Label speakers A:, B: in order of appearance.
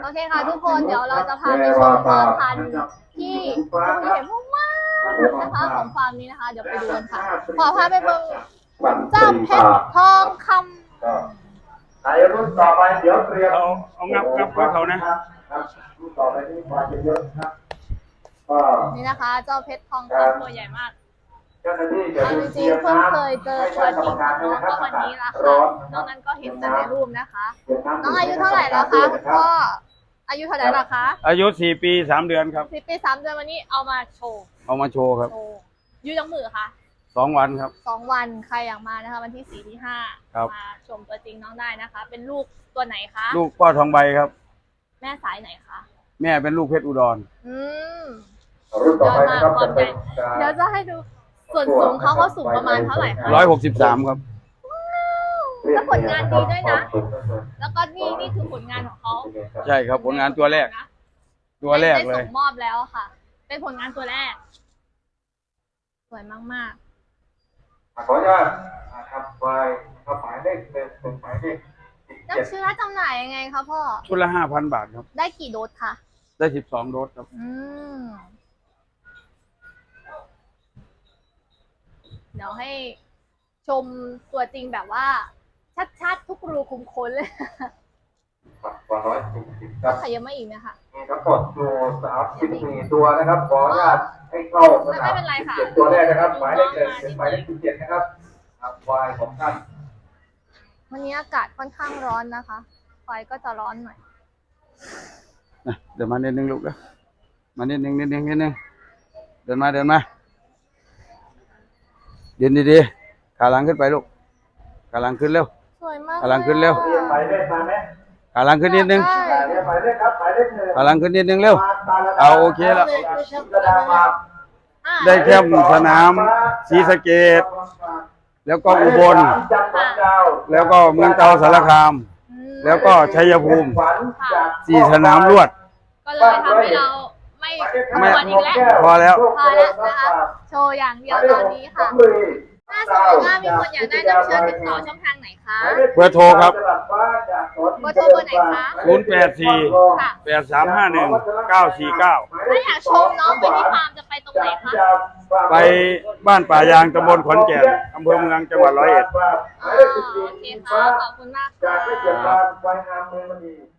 A: โอเคค่ะทุกคนเดี๋ยวเราจะพาไปชมพ่อพันธุ์ที่คุณเห็นมากๆนะคะของฟาร์มนี้นะคะเดี๋ยวไปดูกันค่ะขอพาไปเบิ่งเจ้าเพชรทองคำ
B: ในรุ่นต่อไปเดี๋ยวเตรียม
C: เอางับเขานะ
B: รุ่นต่อไปที่มาเยอะๆครับ
A: นี่นะคะเจ้าเพชรทองคำตัวใหญ่มาก
B: เจ้าหน้าที่จะ
A: เอาจริงๆเพิ่งเคยเจอตัวจริงของน้องก็วันนี้ละค่ะนอกนั้นก็เห็นแต่ในรูปนะคะน้องอายุเท่าไหร่แล้วคะคุณพ่ออายุเท่าไหร่แล้วคะ
C: อายุ4 ปี 3 เดือนครับ
A: 4 ปี 3 เดือนวันนี้เอามาโชว์
C: ครับ
A: ยืดยังมือค่ะ
C: 2 วันครับ
A: 2 วันใครอยากมานะคะวันที่4 ที่ 5มาชมตัวจริงน้องได้นะคะเป็นลูกตัวไหนคะ
C: ลูกพ่อทองใบครับ
A: แม่สายไหนคะ
C: แม่เป็นลูกเพชรอุดร
A: ยอดมากความใหญ่เดี๋ยวจะให้ดูส่วนสูงเขาสูงประมาณเท่าไหร่คะ
C: 163ครับ
A: แล้วผลงานดีด้วยนะแล้วก็นี่คือผลงานของเขา
C: ใช่ครับผลงานตัวแรกเลย
A: ได้ส่งมอบแล้วค่ะเป็นผลงานตัวแรกสวยมาก
B: ๆขออนุญาตครับไปหมายเลขเป็นหมายเลข
A: น้ำเชื้อจำหน่ายยังไงคะพ่อ
C: ชุดละ 5,000 บาทครับ
A: ได้กี่โดสคะ
C: ได้12 โดสครับ
A: เดี๋ยวให้ชมตัวจริงแบบว่าชัดๆทุกรูคุมขนเลย
B: ครับ
A: ขยับมาอีกไหมคะ
B: มีทั้งหมดอยู่34 ตัวนะครับขออนุญาตให้เข้า
A: ไม่เป็นไรค่ะ
B: 7 ตัวแรกนะครับหมายเลข1ถึงหมายเลข17นะครับวายของท่าน
A: วันนี้อากาศค่อนข้างร้อนนะคะไฟก็จะร้อนหน่อย
C: เดี๋ยวมานิดนึงลูกนะมานิดนึงเดินมาเดินดีๆขาหลังขึ้นไปลูกขาหลังขึ้นเร็ว
A: สวยมาก
C: ขาหลังขึ้นเร็ว
B: ไปเลขมาไหม
C: ขาหลังขึ้นนิดนึง
B: ไปเลขครับไปเลข1
C: ขาหลังขึ้นนิดนึงเร็วเอาโอเคแล้วได้แค่สนามศรีสะเกษแล้วก็อุบลแล้วก็เมืองเก่าสารคามแล้วก็ชัยภูมิ4 สนามรวด
A: ก็เลยทำให้เราไม่อีกแล้ว
C: พอแล้ว
A: นะคะโชว์อย่างเดียวตอนนี้ค่ะถ้าสมมติว่ามีคนอยากได้น้ำเชื้อติดต่อช่องทางไหนคะ
C: เบอร์โทรครับ
A: เบอร์โทรเบอร์ไหนคะ
C: 084-8351-949
A: ถ้าอยากชมน้องไปที่ฟาร์มจะไปตรงไหนคะ
C: ไปบ้านป่ายางตำบลขอนแก่นอำเภอเมืองจังหวัด101
A: โอเคค่ะขอบคุณมากค่ะ